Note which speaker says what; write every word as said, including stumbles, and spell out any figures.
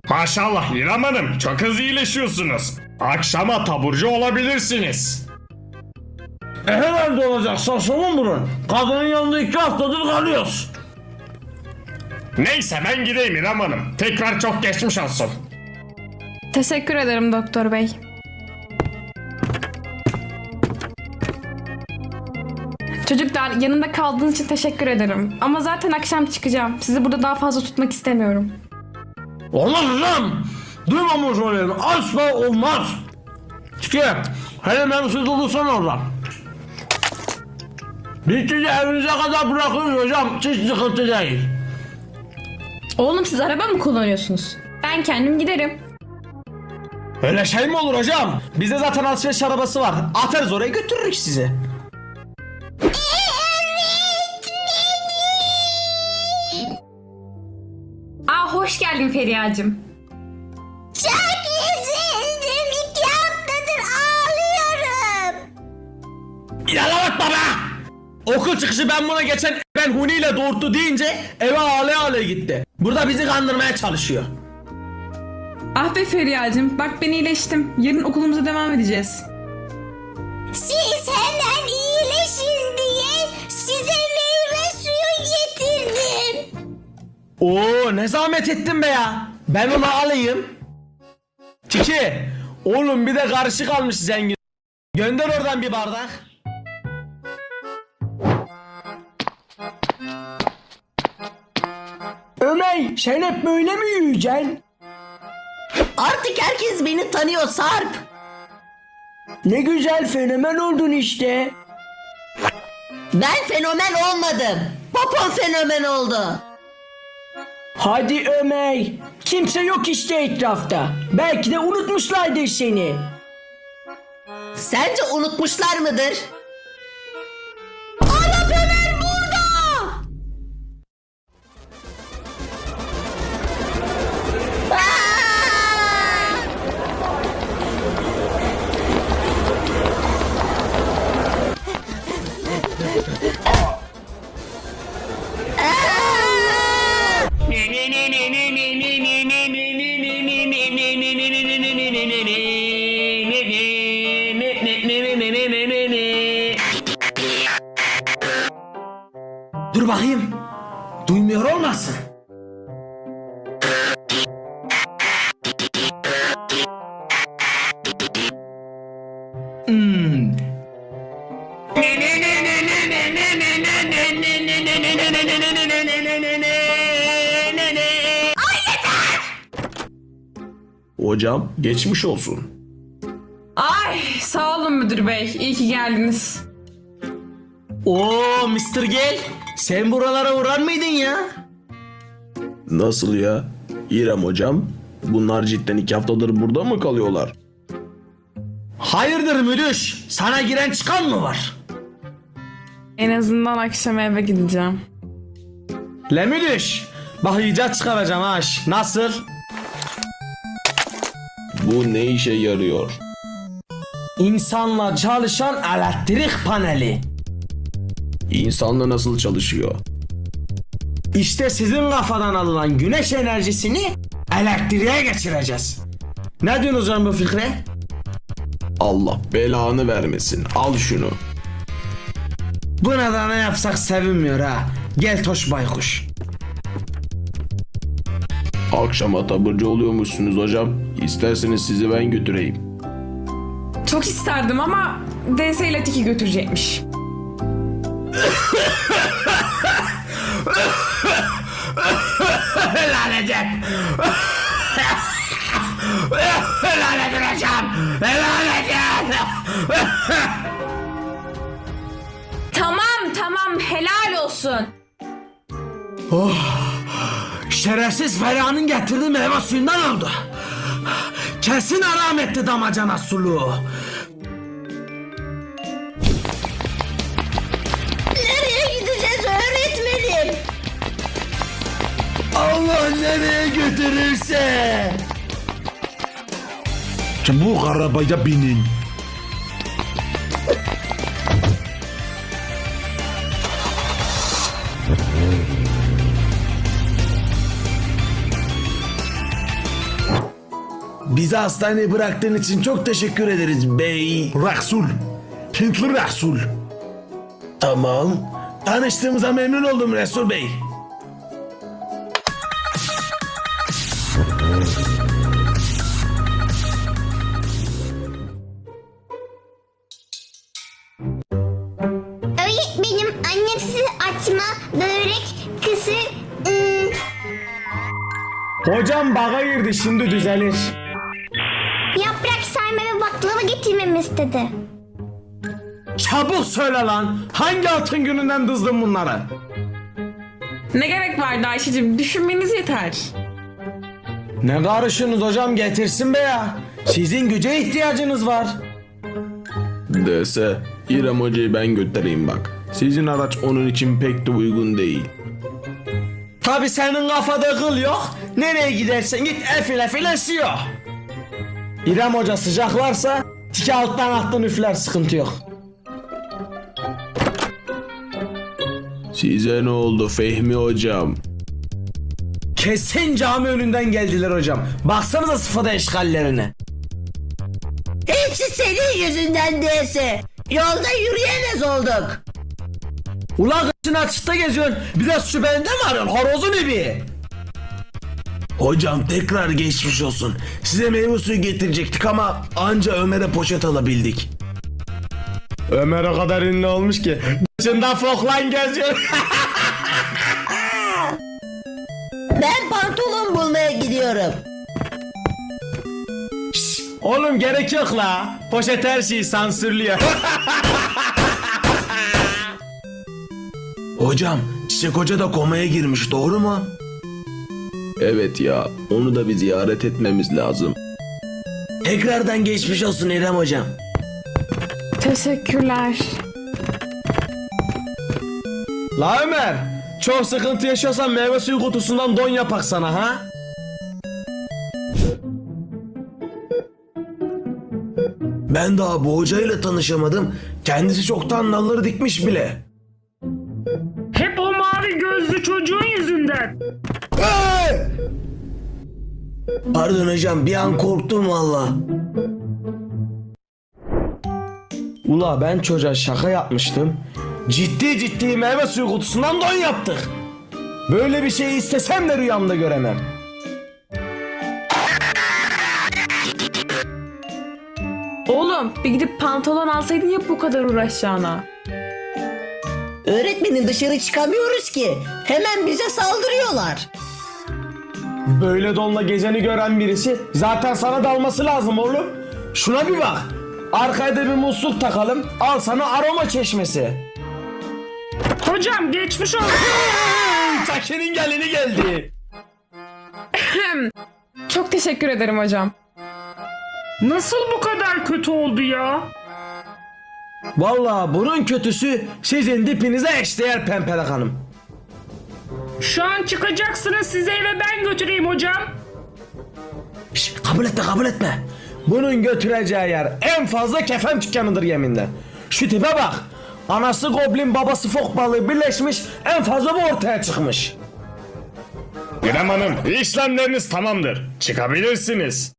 Speaker 1: Maşallah İrem Hanım, çok hızlı iyileşiyorsunuz. Akşama taburcu olabilirsiniz.
Speaker 2: E herhalde olacak saçmalama burun. Kadının yanında iki haftadır kalıyoruz.
Speaker 1: Neyse ben gideyim İrem Hanım. Tekrar çok geçmiş olsun.
Speaker 3: Teşekkür ederim doktor bey. Çocuklar, yanında kaldığınız için teşekkür ederim. Ama zaten akşam çıkacağım. Sizi burada daha fazla tutmak istemiyorum.
Speaker 2: Olmaz hocam. Duymamış olayım. Asla olmaz. Çıkı. Hele beni siz olursan oradan. Biz sizi evinize kadar bırakırız hocam. Hiç sıkıntı değil.
Speaker 3: Oğlum, siz araba mı kullanıyorsunuz? Ben kendim giderim.
Speaker 4: Öyle şey mi olur hocam? Bizde zaten alışveriş arabası var. Atarız oraya, götürürük sizi.
Speaker 3: Aa, hoş geldin Feriha'cığım.
Speaker 5: Çok üzüldüm. İki haftadır ağlıyorum.
Speaker 4: Yala bak baba! Okul çıkışı ben buna geçen ben Huni ile doğurttu deyince eve ağlaya ağlaya gitti. Burada bizi kandırmaya çalışıyor.
Speaker 6: Ah be Feriha'cığım, bak ben iyileştim. Yarın okulumuza devam edeceğiz.
Speaker 5: Siz hemen iyileşin diye size meyve suyu getirdim.
Speaker 4: Oo, ne zahmet ettin be ya. Ben onu alayım. Tiki, oğlum bir de karışık almış zengin. Gönder oradan bir bardak.
Speaker 7: Ömer, sen hep böyle mi yürüyeceksin?
Speaker 8: Artık herkes beni tanıyor Sarp.
Speaker 7: Ne güzel fenomen oldun işte.
Speaker 8: Ben fenomen olmadım. Popon fenomen oldu.
Speaker 7: Hadi Ömer, kimse yok işte etrafta. Belki de unutmuşlardır seni.
Speaker 8: Sence unutmuşlar mıdır? Arap Ömer burada! Aa!
Speaker 4: Dur bakayım. Duymuyor olmasın. Hmm.
Speaker 1: Hocam geçmiş olsun.
Speaker 6: Ay, sağ olun müdür bey. İyi ki geldiniz.
Speaker 4: Oo mister Gel, sen buralara uğrar mıydın ya?
Speaker 1: Nasıl ya? İrem hocam, bunlar cidden iki haftadır burada mı kalıyorlar?
Speaker 4: Hayırdır müdür? Sana giren çıkan mı var?
Speaker 6: En azından akşam eve gideceğim.
Speaker 4: Le müdür, bak icat çıkaracağım ha. Nasıl?
Speaker 1: Bu ne işe yarıyor?
Speaker 4: İnsanla çalışan elektrik paneli.
Speaker 1: İnsanla nasıl çalışıyor?
Speaker 4: İşte sizin kafadan alınan güneş enerjisini elektriğe geçireceğiz. Ne diyorsunuz hocam bu fikre?
Speaker 1: Allah belanı vermesin. Al şunu.
Speaker 4: Buna da ne yapsak sevinmiyor ha. Gel Toş Baykuş.
Speaker 1: Akşama taburcu oluyormuşsunuz hocam. İsterseniz sizi ben götüreyim.
Speaker 6: Çok isterdim ama D S ile Tiki götürecekmiş.
Speaker 4: Helal edin. Helal edin hocam. Helal edin.
Speaker 3: Tamam tamam, helal olsun.
Speaker 4: Şerefsiz Feriha'nın getirdiği meyve suyundan oldu. Kesin haram etti damacana suluğu.
Speaker 5: Nereye gideceğiz öğretmenim?
Speaker 4: Allah nereye götürürse. Bu arabaya binin.
Speaker 1: Bizi hastaneye bıraktığın için çok teşekkür ederiz bey.
Speaker 2: Resul. Hintli Resul.
Speaker 1: Tamam. Tanıştığımıza memnun oldum Resul Bey.
Speaker 5: Öğretmenim annem size açma, börek, kısır, ıı,
Speaker 4: Hocam baga girdi, şimdi düzelir.
Speaker 5: yaprak sarma ve baklava getirmemi istedi.
Speaker 4: Çabuk söyle lan. Hangi altın gününden dızdın bunları?
Speaker 6: Ne gerek vardı Ayşe'cim? Düşünmeniz yeter.
Speaker 4: Ne karışıyorsunuz hocam, getirsin be ya. Sizin güce ihtiyacınız var.
Speaker 1: Dese İrem Hoca'yı ben götüreyim bak. Sizin araç onun için pek de uygun değil.
Speaker 4: Tabi senin kafada kıl yok. Nereye gidersen git efil efil esiyor. İrem Hoca sıcaklarsa tiki alttan alttan üfler, sıkıntı yok.
Speaker 1: Size ne oldu Fehmi Hocam?
Speaker 4: Kesin cami önünden geldiler hocam. Baksanıza sıfada eşkallerine.
Speaker 8: Hepsi senin yüzünden değilse. Yolda yürüyemez olduk.
Speaker 4: Ulan kışın açıkta geziyorsun. Biraz şu bende mi arıyorsun? Horozun gibi.
Speaker 1: Hocam tekrar geçmiş olsun. Size meyve suyu getirecektik ama anca Ömer'e poşet alabildik.
Speaker 4: Ömer o kadar ünlü olmuş ki dışında foklan geziyor.
Speaker 8: Ben pantolon bulmaya gidiyorum.
Speaker 4: Oğlum gerek yok la. Poşet her şeyi sansürlüyor.
Speaker 1: Hocam Çiçek Hoca da komaya girmiş, doğru mu? Evet ya, onu da bir ziyaret etmemiz lazım. Tekrardan geçmiş olsun İrem Hocam.
Speaker 3: Teşekkürler.
Speaker 4: La Ömer, çok sıkıntı yaşıyorsan meyve suyu kutusundan don yapak sana ha.
Speaker 1: Ben daha bu hocayla tanışamadım. Kendisi çoktan nalları dikmiş bile.
Speaker 9: Hep o mavi gözlü çocuğun yüzünden.
Speaker 1: Pardon hocam, bir an korktum valla.
Speaker 4: Ula ben çocuğa şaka yapmıştım. Ciddi ciddi meyve suyu kutusundan don yaptık. Böyle bir şeyi istesem de rüyamda göremem.
Speaker 6: Oğlum bir gidip pantolon alsaydın ya bu kadar uğraşacağına.
Speaker 8: Öğretmenim dışarı çıkamıyoruz ki. Hemen bize saldırıyorlar.
Speaker 4: Böyle donla gezeni gören birisi zaten sana dalması lazım oğlum. Şuna bir bak. Arkaya da bir musluk takalım. Al sana aroma çeşmesi.
Speaker 9: Hocam geçmiş olsun.
Speaker 4: Take'nin gelini geldi.
Speaker 3: Çok teşekkür ederim hocam.
Speaker 9: Nasıl bu kadar kötü oldu ya?
Speaker 4: Vallahi bunun kötüsü sizin dipinize eşdeğer Pempelek Hanım.
Speaker 9: Şu an çıkacaksınız, size eve ben götüreyim hocam.
Speaker 4: Şş, kabul etme kabul etme. Bunun götüreceği yer en fazla kefen dükkanıdır yeminle. Şu tipe bak. Anası goblin, babası fok balığı birleşmiş, en fazla bu ortaya çıkmış.
Speaker 2: İrem Hanım, işlemleriniz tamamdır. Çıkabilirsiniz.